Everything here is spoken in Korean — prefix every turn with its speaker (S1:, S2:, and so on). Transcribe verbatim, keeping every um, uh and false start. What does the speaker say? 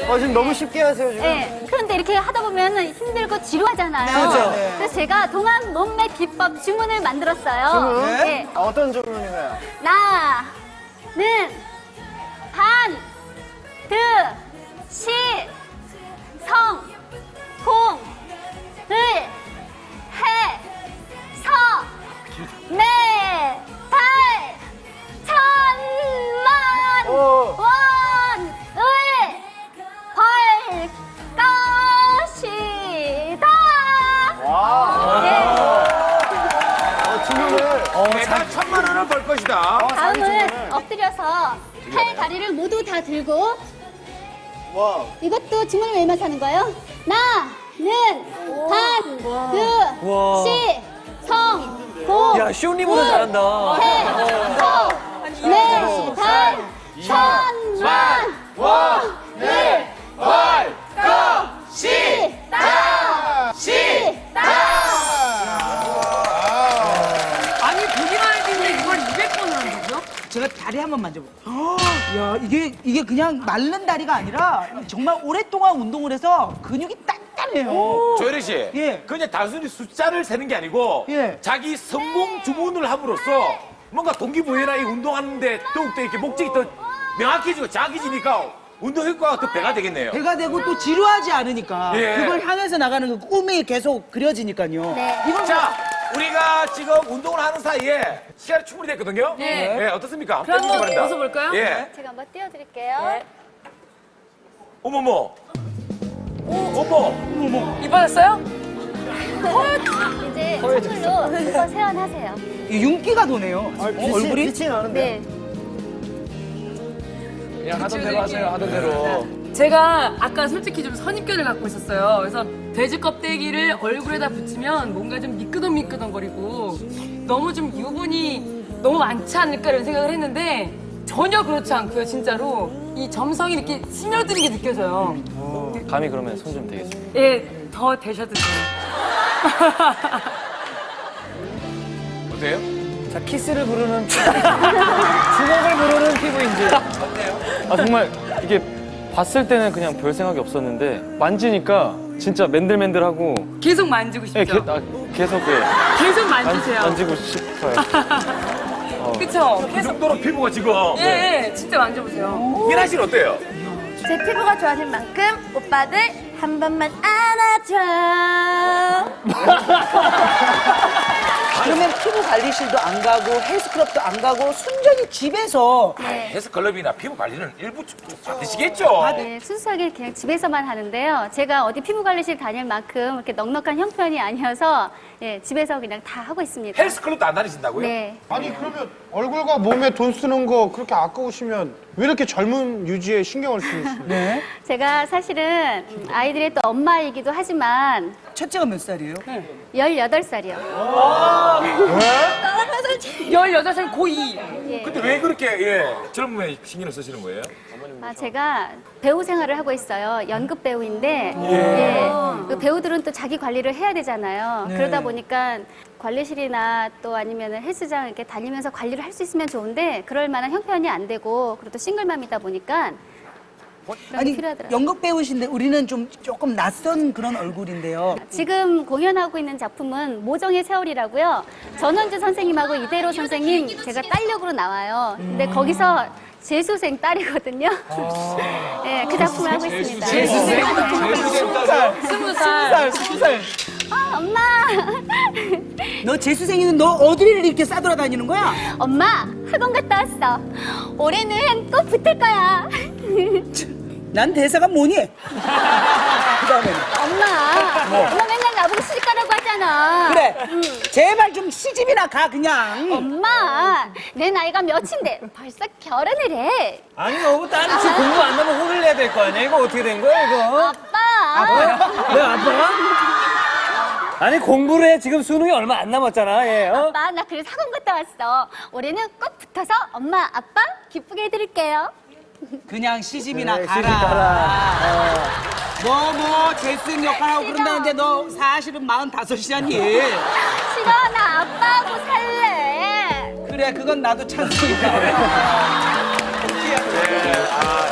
S1: 어, 지금 너무 쉽게 하세요, 지금.
S2: 네. 그런데 이렇게 하다 보면 힘들고 지루하잖아요.
S1: 그렇죠. 네.
S2: 그래서 제가 동안 몸매 비법 주문을 만들었어요.
S1: 주문?
S2: 네.
S1: 아, 어떤 주문인가요?
S2: 나는 반, 드, 시, 성, 공, 을, 해, 서, 매, 달, 천만,
S1: 오.
S2: 원, 을, 벌, 것이다.
S1: 와.
S2: 네.
S1: 어, 주문을.
S3: 매달 천만 원을 벌 것이다.
S2: 다음은 엎드려서 팔, 다리를 모두 다 들고
S1: 와.
S2: 이것도 주문을 외면서 하는 거예요. 나는 반, 그, 시, 성, 공,
S4: 야, 쇼님보다 잘한다.
S2: 해, 서, 매, 달, 천만, 원, 을, 벌, 거, 시, 다, 시, 다.
S5: 아니 보기만 했는데 이걸 이백 번을 하는 거죠?
S6: 제가 다리 한번 만져볼게요. 야, 이게, 이게 그냥 마른 다리가 아니라 정말 오랫동안 운동을 해서 근육이 단단해요.
S3: 조혜리 씨,
S6: 예.
S3: 그냥 단순히 숫자를 세는 게 아니고
S6: 예.
S3: 자기 성공 주문을 함으로써 뭔가 동기부여나 이 운동하는데 더욱더 이렇게 목적이 더 명확해지고 작아지니까 운동 효과가 더 배가 되겠네요.
S6: 배가 되고 또 지루하지 않으니까
S3: 예.
S6: 그걸 향해서 나가는 그 꿈이 계속 그려지니까요.
S2: 네.
S6: 이걸
S3: 자, 우리가 지금 운동을 하는 사이에 시간이 충분히 됐거든요.
S5: 네.
S3: 네, 어떻습니까?
S5: 그럼 한번
S3: 바랍니다.
S5: 벗어볼까요?
S3: 예.
S2: 제가 한번 띄워드릴게요.
S3: 어머머. 어머.
S5: 이뻐졌어요?
S2: 이제 선물로 한번 세안하세요.
S6: 이 윤기가 도네요.
S1: 아, 빛이,
S6: 어, 얼굴이?
S1: 빛이 나는데.
S2: 네.
S4: 그냥 하던 대로 하세요, 하던 대로.
S5: 제가 아까 솔직히 좀 선입견을 갖고 있었어요. 그래서 돼지 껍데기를 얼굴에다 붙이면 뭔가 좀 미끄덩미끄덩거리고 너무 좀 유분이 너무 많지 않을까 이런 생각을 했는데 전혀 그렇지 않고요, 진짜로. 이 점성이 이렇게 스며드는 게 느껴져요.
S4: 감히 그러면 손 좀 대겠습니다.
S5: 예, 더 되셔도 돼요.
S3: 어때요?
S4: 자, 키스를 부르는 피부. 주먹을 부르는 피부인지. 아, 정말 이게 봤을 때는 그냥 별 생각이 없었는데 만지니까 진짜 맨들맨들하고
S5: 계속 만지고
S4: 예,
S5: 싶죠?
S4: 게, 아, 계속 예,
S5: 계속
S4: 만,
S5: 만지세요.
S4: 만지고 싶어요.
S5: 그쵸?
S3: 이
S5: 계속.
S3: 정도로 피부가 지금.
S5: 예, 예, 진짜 만져보세요.
S3: 미나 씨는 어때요?
S2: 제 피부가 좋아질 만큼 오빠들 한 번만 안아줘.
S6: 그러면 피부 관리실도 안 가고 헬스클럽도 안 가고 순전히 집에서
S2: 네.
S3: 헬스클럽이나 피부 관리는 일부 받으시겠죠?
S2: 네, 순수하게 그냥 집에서만 하는데요. 제가 어디 피부관리실 다닐 만큼 이렇게 넉넉한 형편이 아니어서 예, 집에서 그냥 다 하고 있습니다.
S3: 헬스클럽도 안 다니신다고요?
S2: 네.
S1: 아니, 그러면 얼굴과 몸에 돈 쓰는 거 그렇게 아까우시면 왜 이렇게 젊은 유지에 신경을 쓰시는
S6: 네.
S2: 제가 사실은 아이들의 또 엄마이기도 하지만
S6: 첫째가 몇 살이에요?
S2: 열여덟 살이요.
S5: 열여덟 살 고이.
S2: 예.
S3: 근데 왜 그렇게 예, 젊음에 신경을 쓰시는 거예요?
S2: 아, 제가 배우 생활을 하고 있어요. 연극 배우인데 예. 그 배우들은 또 자기 관리를 해야 되잖아요.
S6: 네.
S2: 그러다 보니까 관리실이나 또 아니면 헬스장 이렇게 다니면서 관리를 할 수 있으면 좋은데 그럴 만한 형편이 안 되고 그리고 또 싱글맘이다 보니까 그런 게
S6: 아니,
S2: 필요하더라고요.
S6: 연극 배우신데 우리는 좀 조금 낯선 그런 얼굴인데요.
S2: 지금 공연하고 있는 작품은 모정의 세월이라고요. 전원주 선생님하고 이대로 선생님 제가 딸력으로 나와요. 근데 거기서 재수생 딸이거든요. 네, 그 작품을 하고 있습니다.
S3: 재수생 딸이요?
S5: 스무 살.
S6: 스무 살.
S2: 아, 엄마!
S6: 너 재수생이는 너 어디를 이렇게 싸돌아다니는 거야?
S2: 엄마, 학원 갔다 왔어. 올해는 꼭 붙을 거야.
S6: 난 대사가 뭐니? 그 다음에는.
S2: 엄마, 엄마 맨날 나보고 시집 가라고 하잖아.
S6: 그래. 제발 좀 시집이나 가, 그냥.
S2: 엄마, 내 나이가 몇인데 벌써 결혼을 해.
S4: 아니, 너무 딸이 지금 공부 안 하면 혼을 내야 될 거 아니야? 이거 어떻게 된 거야, 이거?
S2: 아빠.
S4: 왜 아빠가? 아니, 공부를 해. 지금 수능이 얼마 안 남았잖아, 예. 어?
S2: 아빠, 나 그래서 학원 갔다 왔어. 올해는 꼭 붙어서 엄마, 아빠 기쁘게 해드릴게요.
S6: 그냥 시집이나
S1: 그래,
S6: 가라.
S1: 시집 가라.
S6: 너 뭐 재수생 역할하고 그런다는데 너 사실은 마흔다섯이잖니.
S2: 싫어, 나 아빠하고 살래.
S6: 그래, 그건 나도 찬성이다.
S3: 네, 아,